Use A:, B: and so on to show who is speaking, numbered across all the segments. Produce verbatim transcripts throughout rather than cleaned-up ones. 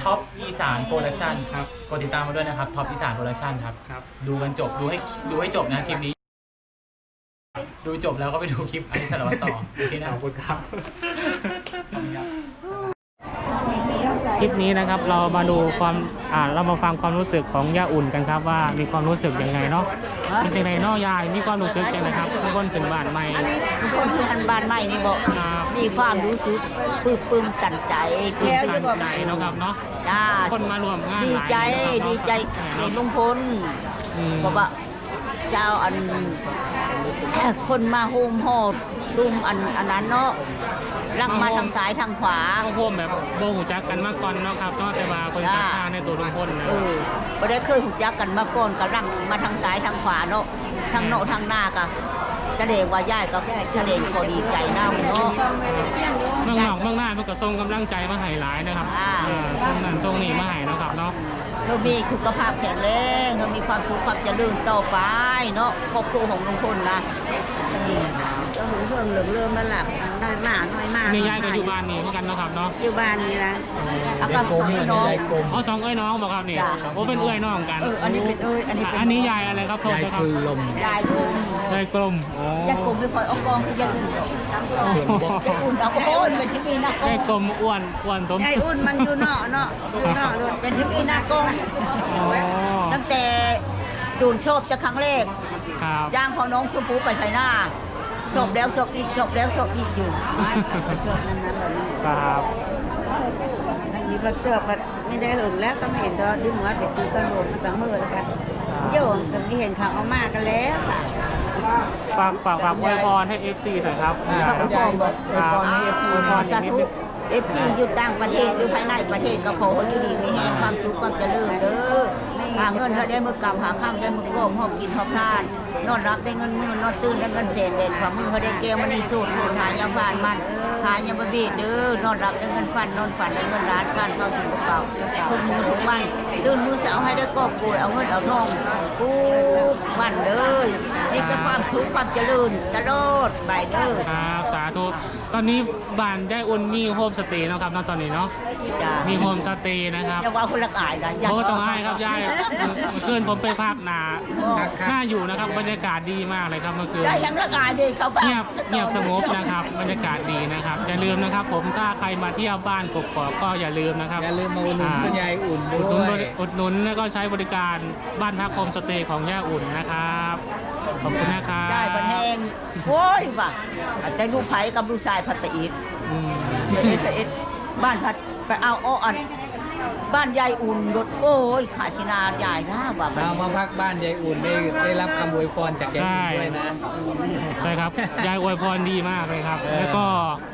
A: ท็อปอีสานโปรดักชั่นครับกดติดตามมาด้วยนะครับท็อปอีสานโปรดักชั่นครับครับดูกันจบดูให้ดูให้จบนะคลิปนี้ดูจบแล้วก็ไปดูคลิปอันนี้สารวัตรต่อโอเคนะขอบคุณครับคลิปนี้นะครับเรามาดูความอ่าเรามาฟังความรู้สึกของย่าอุ่นกันครับว่ามีความรู้สึกยังไงเนาะเป็นยังไงเนาะยายมีความรู้สึกยังไงครับทุกคนถึงบ้านใหม่
B: ทุกคนคืออันบ้านใหม่นี่บอกมีความรู้สึกปลื้มปลื้มตันใจ
A: ตื่นตันใจเนาะครับเนาะคนมารวมงาน
B: ดีใจดีใจเห็นลุงพลบอกว่าเจ้าอันคนมาโฮมโฮดตุ้มอันอันนั้นเนาะรักมาทางซ้ายทางขวา
A: โฮมแบบโบหูจักกันมาก่อนเนาะครับเนาะแต่ว่าคนศรัทธาในตัวลุงพลนะ
B: เออไม่ได้เคยหูจักกันมาก่อนกับรักมาทางซ้ายทางขวาเนาะทางโนทางหน้าก็แสดงว่าย่ายก็แสดงพอดีใจนะเนาะ
A: เมืองนอกเมืองหน้ามันก็ส่งกำลังใจมาให้หลายนะครับส่งนั่นส่งนี่มาให้นะครับเนาะ
B: เรามีสุขภาพแข็งแรงเรามีความสุขความเจริญต่อไปเนาะครอบครัวของลุงพลนะก็หูเพิ่งเหลืองเริ่มมาหลับน้อยมากน้อยมาก
A: นี่ยายก็อยู่บ้านนี่เหมือนกันนะครับเนาะ
B: อยู่บ้านนี่นะ
A: เอาก็สองไอ้น้องอ๋อสองไอ้น้องบอกครับนี่โอ้เป็นเอ้ยน้องกัน
B: อันนี้เป็นเอ้ยอันนี้
A: อันนี้ยายอะไรครับ
C: ยายกลม
B: ยายกลม
A: ยายกลมอ๋อย
B: ายกลมไม่ค่อยเอากองคือยายอุ่นทั้งสองยายอุ่นเอาโอ้ยเป็นที่มีหน้ากอง
A: ยายกลมอ้วนอ้วนสม
B: ยายอุ่นมันอยู่เนาะเนาะอยู่เนาะเป็นที่มีหน้ากองตั้งแต่จูนชอบจะครั้งแรกย่างของน้องชมพูไปไทยหน้าชอบแล้วชอบอีกชอบแล้วชอบอีกอยู่ชอบนั้นนั้นเลย
A: ครับ
B: อันนี้ก็ชอบก็ไม่ได้หึงแล้วก็ไม่เห็นตอนดิ้นหัวเป็ดตีกันโดนมาตั้งมือแล้วกันโย่ตรงนี้เห็นข่าวเอามากกันแล้วค่ะ
A: ฝากฝากฝากอวยพรให้เอฟซีหน่อยครับ
B: ฝากอวยพรอวยพรให้เอฟซีอวยพรสาธุเอฟซีอยู่ต่างประเทศหรือภายในประเทศก็ขอให้ดีมีแห่งความสุขความเจริญเด้อหาเงินเขาได้มือกำหาข้ามได้มือโก้มหอบกินหอบทานนอนรับได้เงินมือนอนตื่นได้เงินเศษเด่นความมือเขาได้เกลมันนี่สูตรหายาผ่านมันหายาบะบีเด้อนอนรับได้เงินฟันนอนฝันได้เงินล้านการเข้าถึงกระเป๋าทุกมือทุกวันตื่นมือสาวให้ได้กอบกุยเอาเงินเอาทองกูวันเลยนี่ก็ความสุขความเจริญตลอดไปเด้อ
A: ครับสาธุตอนนี้บ้านยายอุ่นมีโฮมสเตย์นะครับตอนนี้เนาะมีโฮมสเตย์นะครับ
B: จะว่าคนละอายนะ
A: โอ้ต้องอายครับยายเมื่อคืนผมไปพักนาน่าอยู่นะครับบรรยากาศดีมากเลยครับเมื่อคืน
B: ยังละอายดีเขา
A: เงียบเงียบสงบนะครับบรรยากาศดีนะครับอย่าลืมนะครับผมถ้าใครมาเที่ยวบ้านกกอกก็อย่าลืมนะครับ
C: อย่าลืมมาอุดหนุนคุณยายอุ่นด้วย
A: อุดหนุนแล้วก็ใช้บริการบ้านพักโฮมสเตย์ของย่าอุ่นนะครับขอบคุณนะครับ
B: ได้บันแหงโว้ยว่ะแต่ลูกไผ่กับลูกชายพัดไปอีกไปอีกไปอีกบ้านพัดไปเอาอ้ออันบ้านยายอุ่นรถโอ้ยขาชินาใหญ่นะว่า
C: เรามาพักบ้านยายอุ่นได้ได้รับคำอวยพรจากยายอุ่นด้วยนะ
A: ใช่ครับยายอวยพรดีมากเลยครับแล้วก็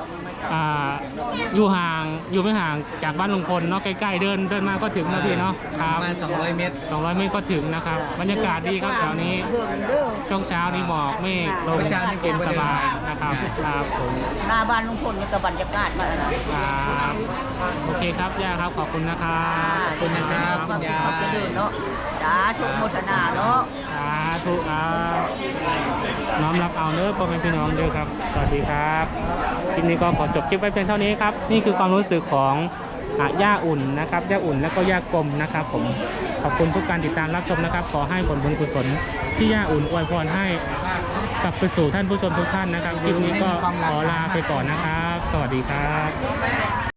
A: อยู่ห่างอยู่ไม่ห่างจากบ้านลุงพลเนาะใกล้ๆเดินเดินมาก็ถึงนะพี่เนาะ
C: ครับประมาณสองร้อยเมตร
A: สองร้อยเมตรก็ถึงนะครับบรรยากาศดีครับแถวนี้ช่วงเช้านี้หมอกเมฆลมเย็นสบายนะครับครับผม
B: หน้าบ้านลุงพลนี่ก็บรรยากาศมาแล้ว
A: ครับโอเคครับย่าครับขอบคุณนะครับ
C: ขอบคุณนะครับ
B: คุณยายจะเดินเนาะสาธุโมทนาเนาะ
A: สาธุครับน้อมรับเอาเนื้อพ่อแม่พี่น้องด้วยครับสวัสดีครับคลิปนี้ก็ขอจบคลิปไว้เพียงเท่านี้ครับนี่คือความรู้สึกของย่าอุ่นนะครับย่าอุ่นและก็ย่ากลมนะครับผมขอบคุณทุกการติดตามรับชมนะครับขอให้ผลบุญกุศลที่ย่าอุ่นอวยพรให้กลับไปสู่ท่านผู้ชมทุกท่านนะครับคลิปนี้ก็ขอลาไปก่อนนะครับสวัสดีครับ